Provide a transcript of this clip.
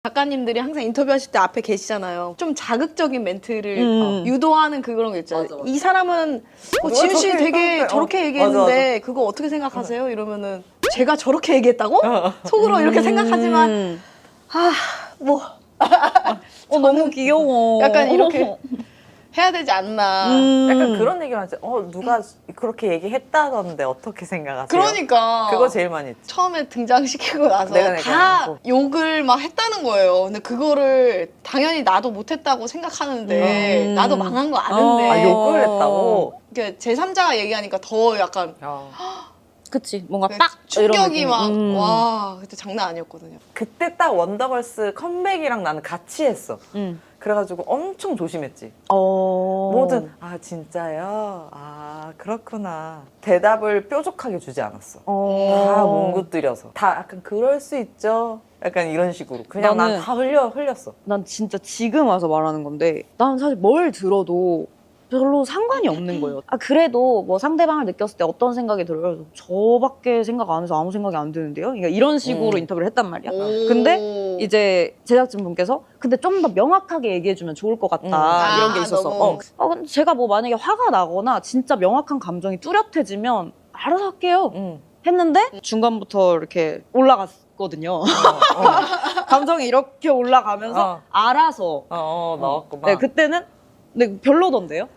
작가님들이 항상 인터뷰하실 때 앞에 계시잖아요. 좀 자극적인 멘트를 유도하는 그런 거 있잖아요. 맞아. 이 사람은 지훈 씨 저렇게 되게 했다는데. 저렇게 얘기했는데 그거 어떻게 생각하세요? 이러면은 제가 저렇게 얘기했다고? 속으로 이렇게 생각하지만 뭐 너무 귀여워. 약간 이렇게 해야 되지 않나. 약간 그런 얘기만 하지. 누가 그렇게 얘기했다던데 어떻게 생각하세요? 그러니까 그거 제일 많이 했지. 처음에 등장시키고 나서 내가 다 하고. 욕을 막 했다는 거예요. 근데 그거를 당연히 나도 못했다고 생각하는데 나도 망한 거 아는데 아, 욕을 했다고? 그러니까 제3자가 얘기하니까 더 약간 그치. 뭔가 그 딱 이런 충격이 느낌. 막 와 그때 장난 아니었거든요. 그때 딱 원더걸스 컴백이랑 나는 같이 했어. 그래가지고 엄청 조심했지. 뭐든 진짜요? 아 그렇구나. 대답을 뾰족하게 주지 않았어. 다 뭉긋들여서 다 약간 그럴 수 있죠. 약간 이런 식으로 그냥 난 나는- 다 흘렸어. 난 진짜 지금 와서 말하는 건데 난 사실 뭘 들어도 별로 상관이 없는 거예요. 그래도 뭐 상대방을 느꼈을 때 어떤 생각이 들어요? 저밖에 생각 안 해서 아무 생각이 안 드는데요? 그러니까 이런 식으로 인터뷰를 했단 말이야. 근데 이제 제작진분께서 근데 좀 더 명확하게 얘기해주면 좋을 것 같다 이런 게 있었어. 너무. 근데 제가 뭐 만약에 화가 나거나 진짜 명확한 감정이 뚜렷해지면 알아서 할게요. 했는데 중간부터 이렇게 올라갔거든요. 감정이 이렇게 올라가면서 알아서 나왔구만. 네, 그때는 근데 별로던데요?